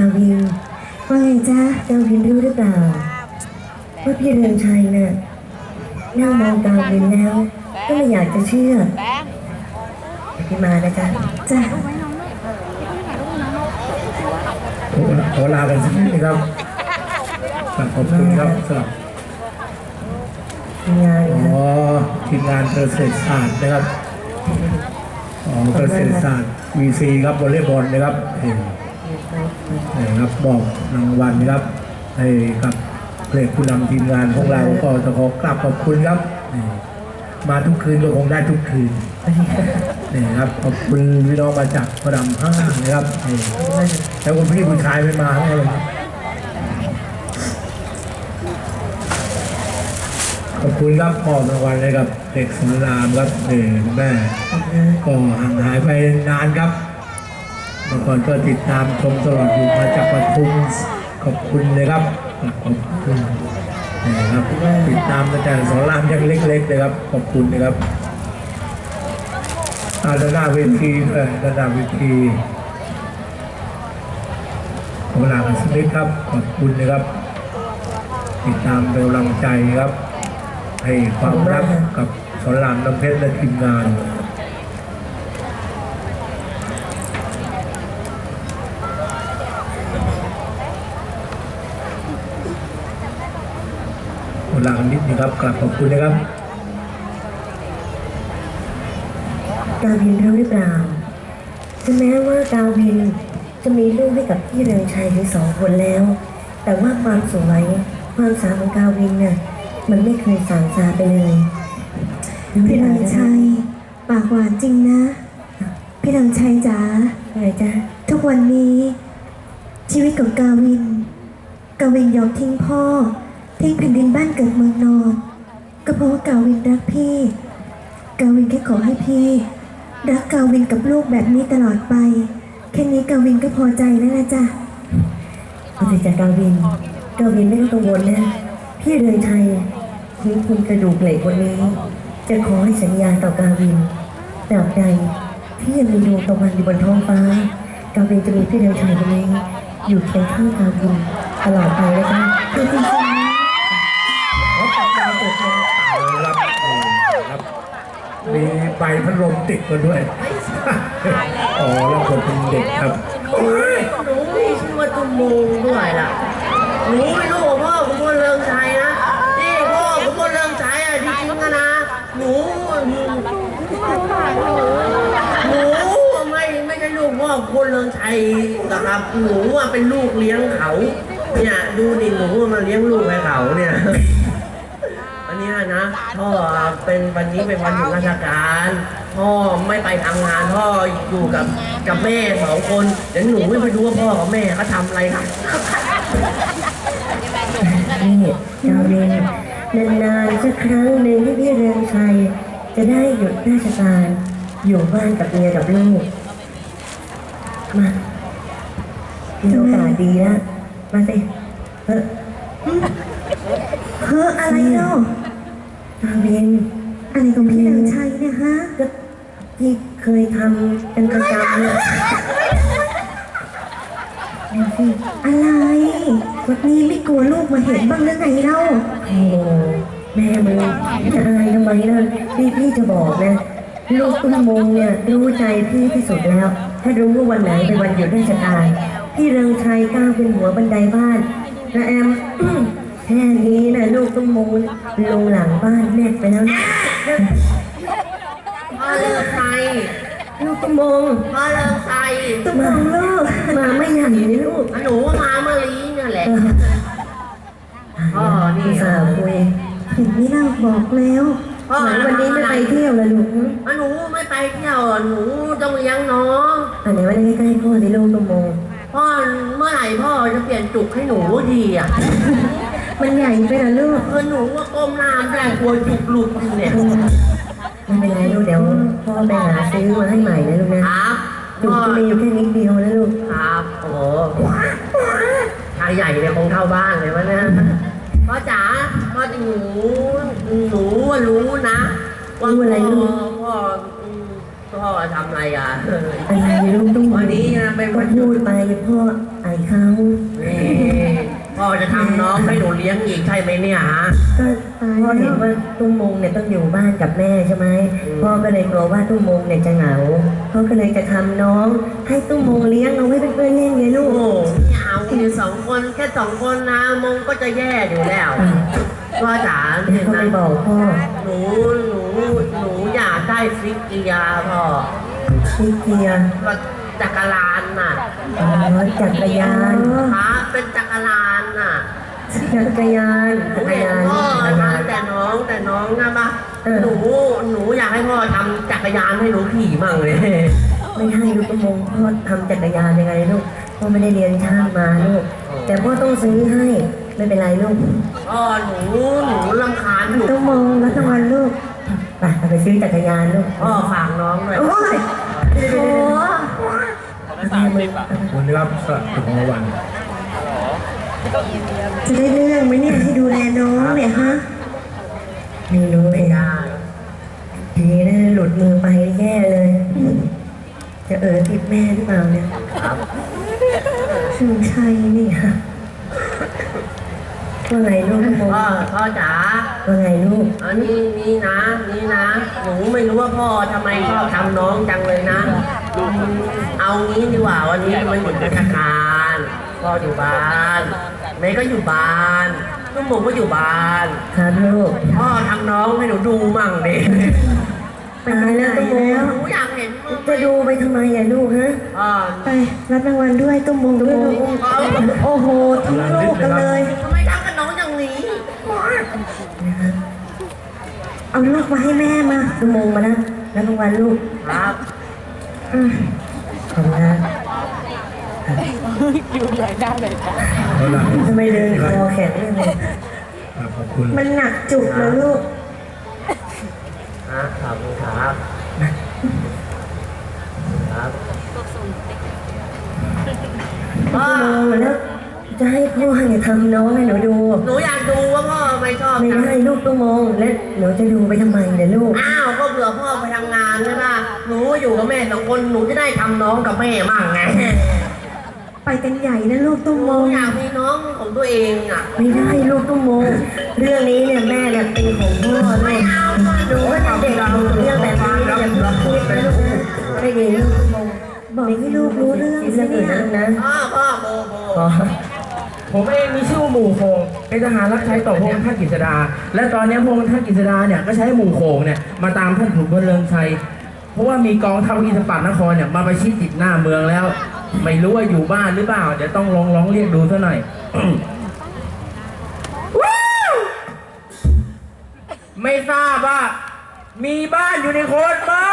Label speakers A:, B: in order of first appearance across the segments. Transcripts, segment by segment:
A: าวินว่าไงจ๊ะกาวินรู้หรือเปล่าว่าพี่เรืองชัยน่ะนั่งมองกาวินแล้วก็ไม่อยากจะเชื่อพี่มานะจ๊ะจ้ะ
B: ขอลากันสักนิดนะครับขอบคุณครับสำหรับ
A: ทีมงาน
B: ทีมงานเกษตรศาสตร์นะครับเกษตรศาสตร์ VC ครับวอลเลย์บอลนะครับครับบอกรางวัลนะครับให้กับเพลงผู้นำทีมงานของเราก็จะขอกราบขอบคุณครับมาทุกคืนก็คงได้ทุกคืนนี่ครับขอบคุณพี่น้องมาจากพระรามห้านะครับแล้วคุณพี่ผู้ชายไม่มาไงเลยขอบคุณครับมอบรางวัลให้กับเด็กสอนรามครับแม่ก็ห่างหายไปนานครับเมื่อก่อนก็ติดตามชมตลอดอยู่มาจากปทุมขอบคุณเลยครับขอบคุณนะครับติดตามมาจากสอนรามยังเล็กๆเลยครับขอบคุณนะครับด้านหน้าเวทีด้านหน้าเวทีขอลากันสักนิดครับขอบคุณนะครับติดตามเป็นกำลังใจครับให้ความรักกับสอนรามน้ำเพชรและทีมงานขอลากันนิดนะครับกลับขอบคุณนะครับ
A: กาวินรู้หรือเปล่าถึงแม้ว่ากาวินจะมีลูกให้กับพี่เรืองชัยถึง2 คนแล้วแต่ว่าความสวยความสาวของกาวินน่ะมันไม่เคยสางซาไปเลย
C: พี่เรืองชัยปากหวานจริงนะพี่เรืองชัยจ๋า
A: อะไรจ๊ะ
C: ทุกวันนี้ชีวิตของกาวินยอมทิ้งพ่อทิ้งแผ่นดินบ้านเกิดเมืองนอนก็เพราะว่ากาวินรักพี่กาวินแค่ขอให้พี่รักกาวินกับลูกแบบนี้ตลอดไปแค่นี้กาวินก็พอใจแล้วนะจ๊ะ
A: พอใจจากกาวินไม่ต้องกังวลนะพี่เรืองชัยถึงคุณกระดูกเหล็กวันนี้จะขอให้สัญญาต่อกาวินตราบใดที่ยังมีดวงตะวันอยู่บนท้องฟ้ากาวินจะมีพี่เรืองชัยคนนี้อยู่เคียงข้างกาวินตลอดไปเลยจ้ะจริงๆ
B: ขอตัดดาวตกลงรับมีใบพัดลมติดมาด้วยแล้วคนเป็นเด็กครับ
D: หนูมีชื่อว่าตุ้มมูด้วยล่ะหนูไม่รู้ว่าพ่อคุณพลเรืองชัยนะนี่พ่อคุณพลเรืองชัยอ่ะจริงๆนะหนูไม่ใช่ลูกพ่อคุณพลเรืองชัยนะครับหนูว่าเป็นลูกเลี้ยงเขาเนี่ยดูดิหนูมาเลี้ยงลูกให้เขาเนี่ยอันนี้นะพ่อเป็นวันนี้เป็นวันหยุดราชการพ่อไม่ไปทำงานพ่ออยู่กับแม่2 คนเดี๋ยวหนูไม่ไปดูว่าพ่อกับแม่เขาทำอะไรครับ
A: นี่กาวินนานๆสักครั้งหนึ่งที่พี่เรืองชัยจะได้หยุดราชการอยู่บ้านกับเมียกับลูกมามีโอกาสดีแล้วมาสิ
C: อะไรเนาะ
A: กาวิน
C: อะไรของพี่เรืองชัยเนี่ยฮะ
A: ก็ที่เคยทำเป็นประจำเนี่ย
C: อะไรวันนี้ไม่กลัวลูกมาเห็นบ้างหรือไงเล่า
A: โอ้แม่มึงจะอายทำไมล่ะพี่จะบอกนะลูกตุ้มมงเนี่ยรู้ใจพี่ที่สุดแล้วถ้ารู้ว่าวันไหนเป็นวันหยุดราชการพี่เรืองชัยก้าวเป็นหัวบันไดบ้านและแอมแค่นี้นะลูกตุ้มมงลงหลังบ้านแนบไปแล้วนะ
D: พ่อเลิกใคร
A: ลูกตุ้มมง
D: พ่อเลิกใคร
A: ตุ้มมงลูกมาไม่ใหญ่เลยลูก
D: หนูมาเมื่อลีนี่แหละพ่อนี่
A: สาวคุย
C: เห็นไม่เล่าบอกแล้ว
A: วันนี้ไม่ไปเที่ยวเลยลูก
D: หนูไม่ไปเที่ยวหนูต้องเลี้ยงน้อง
A: อันไหนวันนี้ใกล้พ่อในลูกตุ้มมง
D: พ่อเมื่อไหร่พ่อจะเปลี่ยนจุกให้หนูดีอ่ะ
A: มันใหญ่ไปนะลูก
D: หนูว่าก้มหน้าไม่ได้กลัวจุกหลุดเนี่ย
A: ไม่เป็นไรลูกเดี๋ยวพ่อไปหาซื้อมาให้ใหม่นะลูกนะครับจุกมีอยู่แค่นิดเดียวนะลูก
D: ครับโอ้ชายใหญ่เนี่ยคงเท่าบ้านเลยวะเนี่ยพ่อจ๋าพ่อหนูรู้นะว่า
A: อะไรลูก
D: พ่อทำอะไรอ่ะ
A: อะไรลูกตุ้ม
D: วันนี้นะเป็นวัน
A: พูดไปพ่อไอ้เขา
D: นี่พ่อจะทำน้องให้หนูเลี้ยงอีกใช่ไหมเนี่ยฮะ
A: ก็พ่อเห็นว่าตุ้มมงเนี่ยต้องอยู่บ้านกับแม่ใช่ไหมพ่อก็เลยกลัวว่าตุ้มมงเนี่ยจะเหงาพ่อก็เลยจะทำน้องให้ตุ้มมงเลี้ยงเอาไว้เป็นเพื่อนเล่นไงลู
D: โอ้
A: ก
D: โหไม่เอาอยู่สองคนแค่สองคนนะมงก็จะแย่อยู่แล้วพ่อจ๋า
A: เดี๋
D: เห็
A: ยวน เขา
D: ไหม
A: ไปบอกพ่อ
D: หนูอยากได้ฟิกเกียร์พ่อ
A: พี่เกียร์
D: รถจักรยานน่ะ
A: อ๋อจักรยาน
D: ขาเป็นจักรยานน่ะ
A: จักรยานจักรยาน
D: พ่อ
A: จักรยาน
D: ทำแต่น้องนะปะ
A: เออ
D: หนูอยากให้พ่อทำจักรยานให้หนูขี่มั่งเลย
A: ไม่ให้ลูกตุ้มมงพ่อทำจักรยานยังไงลูกพ่อไม่ได้เรียนช่างมาลูกแต่พ่อต้องซื้อให้ไม่เป็นไรลูก
D: พ่อหนูรำคาญหนู
C: ต้องมองรับรางวัลลูก
A: ไปเอาไปซื้อจักรยานลูก
D: พ่อฝากน้องด้วย
C: โอ้ยโอ้
A: แม่มึง
B: คุณได้รับสละของรางวัล
C: จะได้เรื่องไหมเนี่ยที่ดูแลน้องเนี่ยฮะ
A: ไม่รู้เล
D: ไม่
A: ย
D: ได้
A: ทีนี้น่าหลุดมือไปแย่เลย จะติดแม่หรือเปล่าเนี่ย
D: ครับ
C: สุนชัยนี่ค่ะ
A: ว่าไงลูกตุ้มมง
D: พ่อจ๋า
A: ว่าไงลูก
D: อันนี้นะหนูไม่รู้ว่าพ่อทำไมชอบทำน้องจังเลยนะ เอางี้ดีกว่าวันนี้มันหยุดราชการพ่ออยู่บ้านแม่ก็อยู่บ้านตุ้มมงก็อยู่บ้าน
A: ครับลูก
D: พ่อทำน้องให้หนูดูมั่งดิ
A: ตายแล้วตุ้มมง
D: หนูอยากเห็นมึง
A: จะดูไปทำไมอ่ะลูกฮะ
D: พ่อ
C: ไปรับรางวัลด้วยตุ้มมงด้วยลูกโอ้โหทั้งลูกกันเลย
D: ทำไมทำกับน้องอย่างนี้
A: นะครับ
C: เอาลูกมาให้แม่มา
A: ตุ้มมงมาแล้วรับรางวัลลูก
D: ครับ
C: อืม
A: ขอบคุณครับ
B: เอาละ
A: ทำไมเดินคอแข็งเลย
B: ครับขอบคุณ
C: มันหนักจุกนะลูก
D: ขอบคุณครับครับพ่อ
A: แล้วจะให้พ่อเนี่ยทำน้องให้หนูดู
D: หนูอยากดูว่าพ่อไม่ชอบ
A: ไม่
D: จัง
A: ได้ลูกตุ้มมงและหนูจะดูไปทำไมเนี่ยลูก
D: อ้าวก็เผื่อพ่อไปทำงานใช่ป่ะหนูอยู่กับแม่สองคนหนูจะได้ทำน้องกับแม่มั่งไง
C: ไปกันใหญ่นะลูกตุ้ม
D: ห
C: ม
D: นู
C: ง
D: อยากมีน้องของตัวเองอ่ะ
A: ไม่ได้ลูกตุ้มมงเรื่องนี้เนี่ยแม่เนี่ยเป็นของพ่อ
D: ไม่
A: ลูก
D: เอา
A: หนูว่าเด็กๆเรื่องแบบนี้เนี่ยอย่าเพิ่งคิดนะลูกนะไม่ดีลูกตุ้มมง
C: บอกให้ลูกรู้เรื่อง
A: คิด
C: สิ
A: เรื่องอื่น
C: เนี่ย
A: นะลูกนะ
D: พ่อโบ
A: อ๋อ
E: ผมเองมีชื่อว่าหมู่โคงเป็นทหารรับใช้ต่อพระองค์ท่านกฤษดา และตอนนี้พระองค์ท่านกฤษดาเนี่ยก็ใช้หมู่โคงเนี่ยมาตามท่านขุนพลเรืองชัย เพราะว่ามีกองทัพอินทปัตนครเนี่ยมาประชิดติดหน้าเมืองแล้ว ไม่รู้ว่าอยู่บ้านหรือเปล่า เดี๋ยวต้องร้องเรียกดูซะหน่อย ไม่ทราบว่ามีบ้านอยู่ในโคนไหม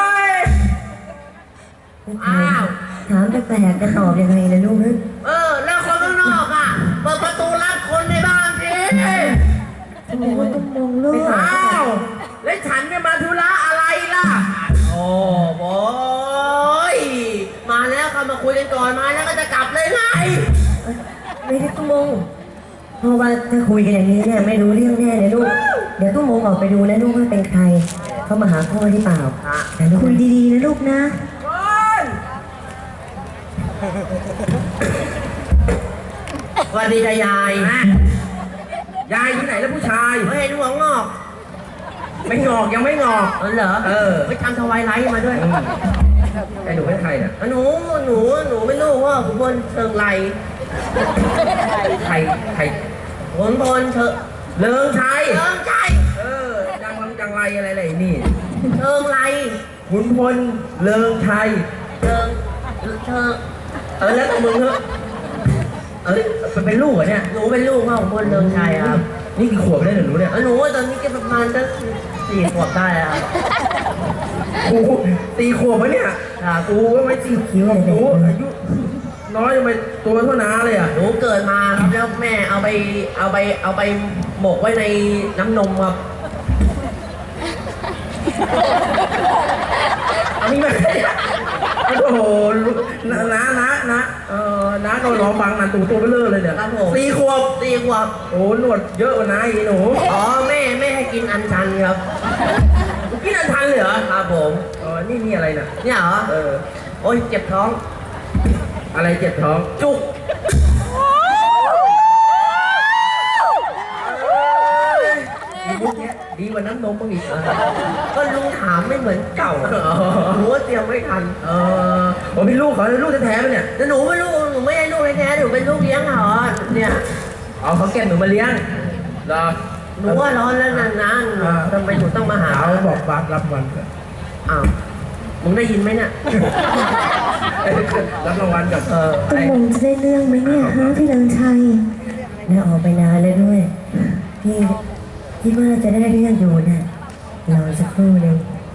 D: อ้าว
A: ถามแปลกๆจะตอบยังไงนะลูกนะ
D: แล้วคนข้างนอกอ่ะเปิดประตูรับคนในบ้านสิ
C: โอ้โหตุ้มมงลูก
E: อ้าวแล้วฉันจะมาธุระอะไรล่ะ
D: โอ้โหมาแล้วเขามาคุยกันก่อนมาแล้วก็จะกลับเลยไง
A: ไม่ได้ตุ้มมงเพราะว่าถ้าคุยกันอย่างนี้เนี่ยไม่รู้เรื่องแน่เลยลูกเดี๋ยวตุ้มมงออกไปดูนะลูกว่าเป็นใครเขามาหาพ่อหรือเปล่านะลูก
C: คุยดีๆนะลูกนะ
D: สวัสดีจ้ะยาย
E: ยายที่ไหนแล้วผู้ชาย
D: เห็นหัวงอก
E: ไม่งอกยังไม่งอก
D: เหรอ
E: เออ
D: ไปทำทวายไลท์มาด้วย
E: ไอ้หนูเป็นใครน่ะ
D: หนูไม่รู้ว่าขุนพลเชิงไร
E: ใครใคร
D: ขุนพลเชิง
E: เลิงชัย
D: เชิงใจ
E: เออจังไรอะไรนี่
D: เชิงไร
E: ขุนพลเลิงชัย
D: เชิง
E: แล้วแต่มึงเถอะมันเป็นลูกเหรอเนี่ย
D: หนูเป็นลูกพ่อขุนพลเชิงชัยครับ
E: นี่กี่ขวบได้เหรอหนูเนี่ย
D: หนูตอนนี้ก็ประมาณจะ4 ขวบได้แล้ว
E: กูตีขวบวะเนี่ย
D: ครับ
E: กูก็ไม่ตีขวบกูอายุน้อยยังไปตัวเท่าน้าเลยอ่ะ
D: หนูเกิดมาครับแล้วแม่เอาไปหมกไว้ในน้ำนมครับ
E: เอามีไหมโอ้โหน้าก็ร้องฟังนันตูตัวเบลอเลยเนี่ย
D: ครับผม
E: ตีขวบ
D: 4 ขวบ
E: โอ้หนวดเยอะกว่าน้าอีกหนู
D: อ๋อแม่ให้กินอัญชันครับ
E: กินอันทันเลยเหรอ
D: ครับผม
E: นี่อะไรน่ะ
D: เนี่ยเหรอ
E: เออ
D: โอ้ยเจ็บท้อง
E: อะไรเจ็บท้อง
D: จุก
E: ว่าน้ำนมบ้างอีก
D: ก็ลุงถามไม่เหมือนเก่าหนูว่าเตรียมไม่ทัน
E: ผมเป็นลูกเขาลูกแท้ๆเลยเนี่ย
D: แต่หนูไม่รู้หนูไม่ใช่ลูกแท้ๆหนูเป็นลูกเลี้ยงเขาเนี่ย
E: เอาเขาแก้หนูมาเลี้ยงเหรอ
D: หนูว่าร้อนแล้วนานๆทำไมหนูต้องมาหา
B: เขาบอกฝากรับวันก็
D: อ้าวมึงได้ยินไหมเนี่ย
B: รับรางวัลกับ
C: ตุ้มงจะได้เรื่องไหมเนี่ยฮะพี่เลิงชัย
A: แล้วออกไปนานแล้วด้วย พี่คิดว่าจะได้เรื่องอยู่นะรอสักครู่หนึง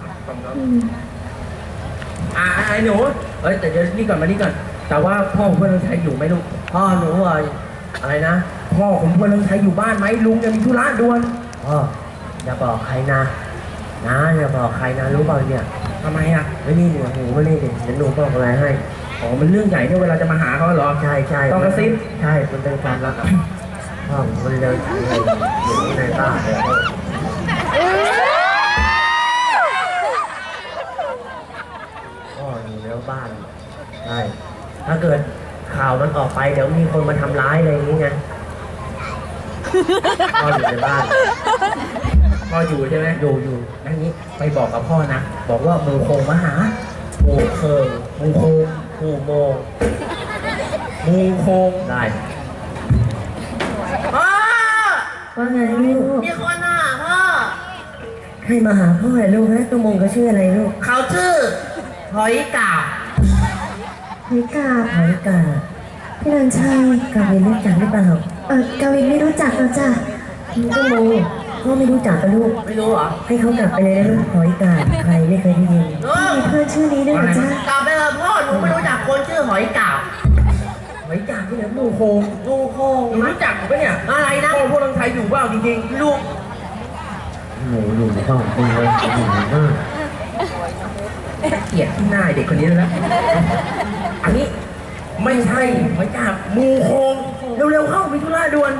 E: ไอ้หนูแต่เดี๋ยวนี่ก่อนมานี่ก่อนแต่ว่าพ่อของเพื่อนเลิงชัยอยู่ไหมลูก
D: พ่อหนูว่าอะไรนะ
E: พ่อของเพื่อนเลิงชัยอยู่บ้านไหมลุงยังมีธุระด่วน
D: พ่ออย่าบอกใครนะอย่าบอกใครนะรู้เปล่าเนี่ย
E: ทำไมอ่ะ
D: ไม่นี่เนี่ยหูไม่นี่เดี๋ยวหนูบอกอะไรให้
E: อ๋อมันเรื่องใหญ่เนี่ยเวลาจะมาหาเขาเหรอ
D: ใช่
E: ต้องกระซิบ
D: ใช่มันเป็นความลับพ่อมันเลยอยู่ในบ้านเลยพ่ออยู่ในบ้านใช่ถ้าเกิดข่าวมันออกไปเดี๋ยวมีคนมาทำร้ายอะไรอย่างงี้ไงพ่ออยู่ในบ้าน
E: พ่ออยู่ใช่ไหม
D: อยู่
E: นั่นนี้ไปบอกกับพ่อนะบอกว่าหมูโคงมาหา
D: หมู่เคิง
E: หมูโคง
D: หมู่โมง
E: หมูโคง
D: ได้พ่อ
A: ว่าไงลูก
D: มีคนอ่ะพ่อ
A: ใครมาหาพ่อเหรอลูกฮะตุ้มงเขาชื่ออะไรลูก
D: เขาชื่อหอยกาบ
C: เฮ้ยกาบ
A: หอยกา
C: พี่เลิงชัย
A: กาเวนรู้จักหรือเปล่าก
C: าวินไม่รู้จักเราจ้ะ
A: ตุ้มงพ่อไม่รู้จักกับลูก
D: ไม่รู้เหรอ
A: ให้เขากลับไปเลยนะลูกหอยกาใครไม่เคยได้ยิน
D: เออ
C: มีเพื่อนชื่อนี้ด้วยเหรอจ๊ะ
D: กลับไปเถอะพ่อหนูไม่รู้จักคนชื่อหอยกาบ
E: ไว้จ่าที่ไหนหมูโคง
D: ดูโคง
E: หนูรู้จักผมปะเนี่ย
D: อะไรนะ
E: พ่อพวกเลิงชัยอยู่เปล่าจริงๆลูก
D: หนูอยู่ในห้องคุณเลยอยู่ในบ้าน
E: เกลียดที่หน้าเด็กคนนี้แล้วนะอันนี้ไม่ใช่ไว้จ่าหมูโคงเร็วๆเข้ามีธุระด่วน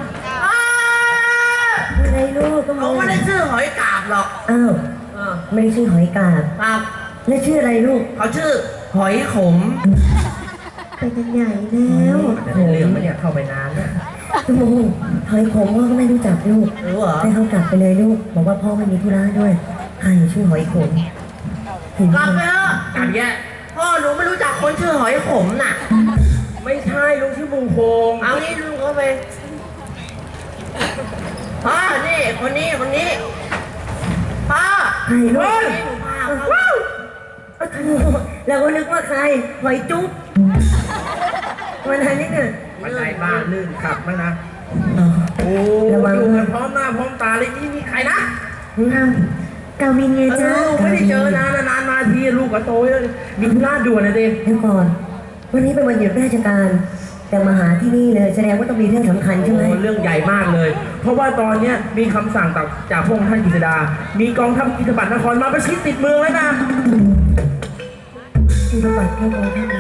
A: อะไรลูกตุ้ม
D: เขา
A: ง
D: ไม่ได้ชื่อหอยกาบหรอก
A: อ้าว
D: เออ
A: ไม่ได้ชื่อหอยกาบ
D: ครับ
A: แล้วชื่ออะไรลูก
D: เขาชื่อหอยขม
C: ไปกันใหญ่แล้ว
E: แต่ในเรื่องมันเนี่ยเข้าไปนานแล้ว
A: ตุ้มงหอยขมพ่อก็ไม่รู้จักลูก
D: รู้เหรอ
A: ให้เขากลับไปเลยลูก บอกว่าพ่อไม่มีธุระด้วย ใครชื่อหอยขมเห็น
D: กลับ
A: ไห
D: ไป
A: ม
D: เถอะ
E: กลับแย่
D: พ่อหนูไม่รู้จักคนชื่อหอยขมน่ะ
E: ไม่ใช่ลุงชื่อหมูโคง
D: เอางี้ลุงเขาไปพ่อนี่คนนี้พ่อ
A: ใครลูก
D: นี่หนูพาเขา
A: เราก็นึกว่าใครหอยจุ๊บวันนั้นนี่เนี่ย
E: บันไดบ้านลื่นขับมานะ
A: อ๋อ
E: โอ้
A: ระวัง
E: ดูกันพร้อมหน้าพร้อมตาเลยนี่มีใครนะ
C: อ้าวกาวินไงจ๊ะ
E: ไม่ได้เจอนานนานมาทีลูกก็โตแล้วมีธุระด่วนนะเด็
A: เดี๋ยวก่อน วันนี้เป็นวันหยุดราชการ แต่มาหาที่นี่เลยแสดงว่าต้องมีเรื่องสำคัญใช่ไหม
E: เรื่องใหญ่มากเลย เพราะว่าตอนเนี้ยมีคำสั่งจากพระองค์ท่านกฤษดา มีกองทัพอิทธิบัตรนครมาประชิดติดเมืองแล้วนะ
A: ที่ประวัติพระองค์ท่านมา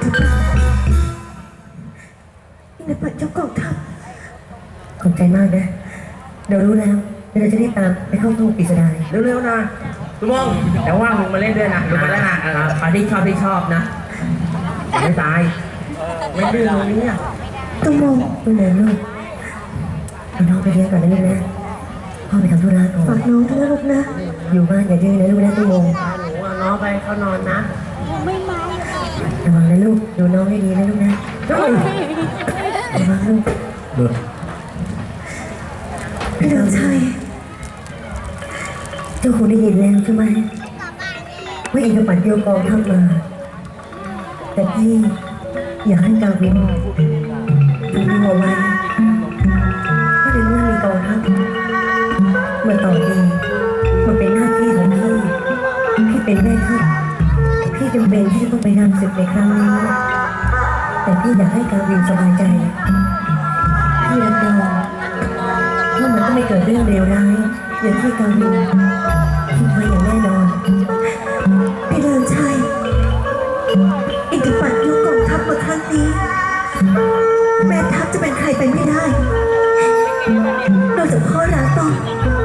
C: อินทปัตเจ้ากองทัพ
A: ขอบใจมากนะ เรารู้แล้วเราจะได้ตามไปเข้าตู้ปริศนา
E: เร็วๆนะลุงมองแต่ว่างลุงมาเล่นด้วยนะลุงมาแล้วนะ
D: ปาที่ชอบนะ
E: ไม่ตายไม่ดื้อตรงนี้อ่ะ
C: ตุ้มง
A: ตู้เดินลูกเอาน้องไปเลี้ยงก่อนนะลูกนะ พ่อไปทำธุระก่อน
C: ฝากน้องด้วยนะลูกนะ
A: อยู่บ้านอย่าดื้อนะลูกนะตู้โมง
D: พาหนูเอาน้องไปเขานอนนะ
A: ระวังนะลูก ดูน้องให้ดีนะลูกนะระวังลูก
B: เดือด
C: พี่เลิงชัย
A: เจ้าคงได้ยินแล้วใช่ไหมว่าอินทปัตโยกองทัพมา แต่พี่อยากให้กาวินดูเอาไว้ถ้าในเมื่อมีกองทัพมาต่อดีมันเป็นหน้าที่ของพี่พี่เป็นแม่ทัพพี่จำเป็นที่จะต้องไปนำศึกในครั้งนี้แต่พี่อยากให้กาวินสบายใจพี่รับรองว่ามันก็ไม่เกิดเรื่องเลวร้ายอย่างที่กาวินคิดไว้อย่างแน่นอน
C: พี่เลิงชัยอินทปัตยกกองทัพมาครั้งนี้แม่ทัพจะเป็นใครไปไม่ได้นอกจากพ่อรักต้อง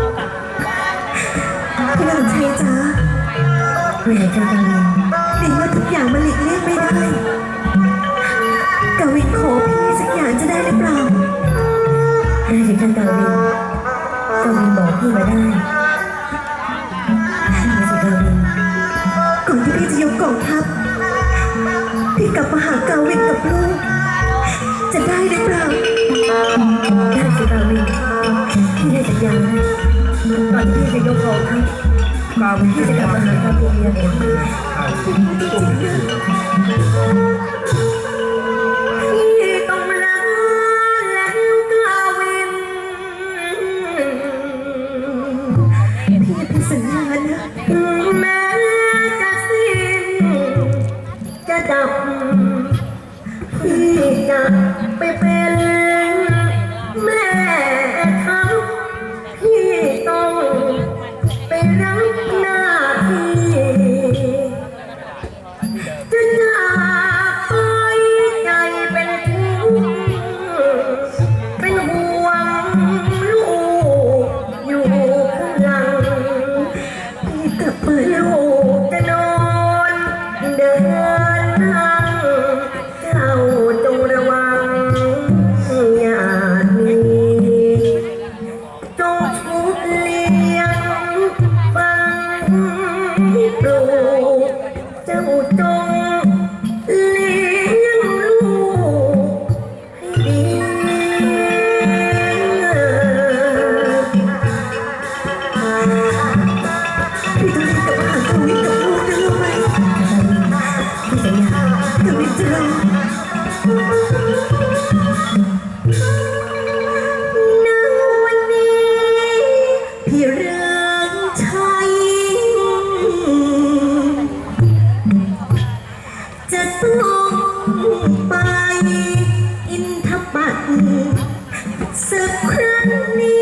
C: พี่เลิงชัยจ๋า
A: เพื่อจะกาวิน
C: ในเมื่อทุกอย่างมันหลีกเลี่ยงไม่ได้กาวินขอพี่สักอย่างจะได้หรือเปล่า
A: ได้สิท่านกาวินบอกพี่มาได้ได้สิกาวินพี่ให้สัญญานะก่อนที่พี่จะยกกองทัพ
B: กาวิน
A: พี่จะกลับมาหากาวินเนี่ย พี่ต้องรักแล้วกาวิน
C: พี่เป็นสัญญานะ
A: ถึงแม้จะสิ้นจะดับพี่จะไปเป็นแม่ทัพพี่ต้องไปรับหน้าที่จะจากไปใจเป็นทุกข์เป็นห่วงลูกอยู่ข้างหลัง
C: พี่กลับมา
A: ลูกจะนอนเดินนั่งเจ้าจงระวังอย่าหนีจงชุบเลี้ยงฟังปลูกเจ้าจงเลี้ยงลูกให้ดี
C: พี่ต้องรีบกลับมาหากวินกับลูกนะรู้ไหม
A: พี่สัญญา
C: กวินจะรอณวันนี้พี่เรืองชัยจะต้องไปอินทปัตสักครั้งนี้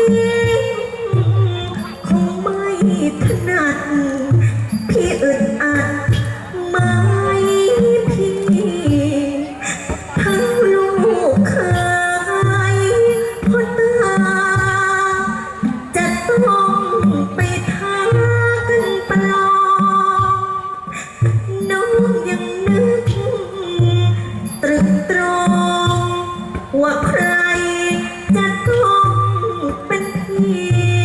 C: คงไม่ถนัดพี่อึดอัดไหมพี่ทั้งลูกเคยพ่อตาจะต้องไปท้ากันประลองน้องยังนึกตรึกตรองว่าใครจะต้องเป็นพี่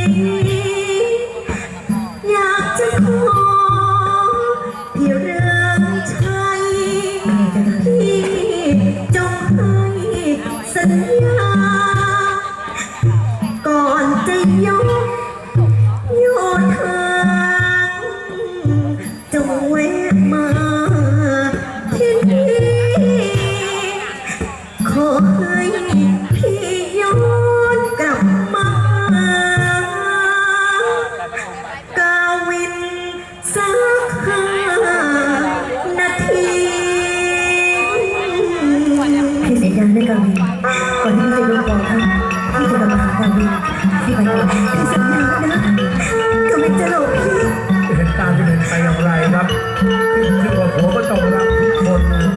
C: อยากจะขอพี่เรืองชัยพี่จงให้สัญญา ก่อนจะยกโยธาจงแวะมาที่นี่ขอให้พี่ย้อนกลับมา กาวินสัก5 นาที
A: พี่สัญญาด้วยกาวินก่อนที่พี่จะยกกองทัพพี่จะกลับมาหากาวินพี่ไปก่อน
C: พี่สัญญานะ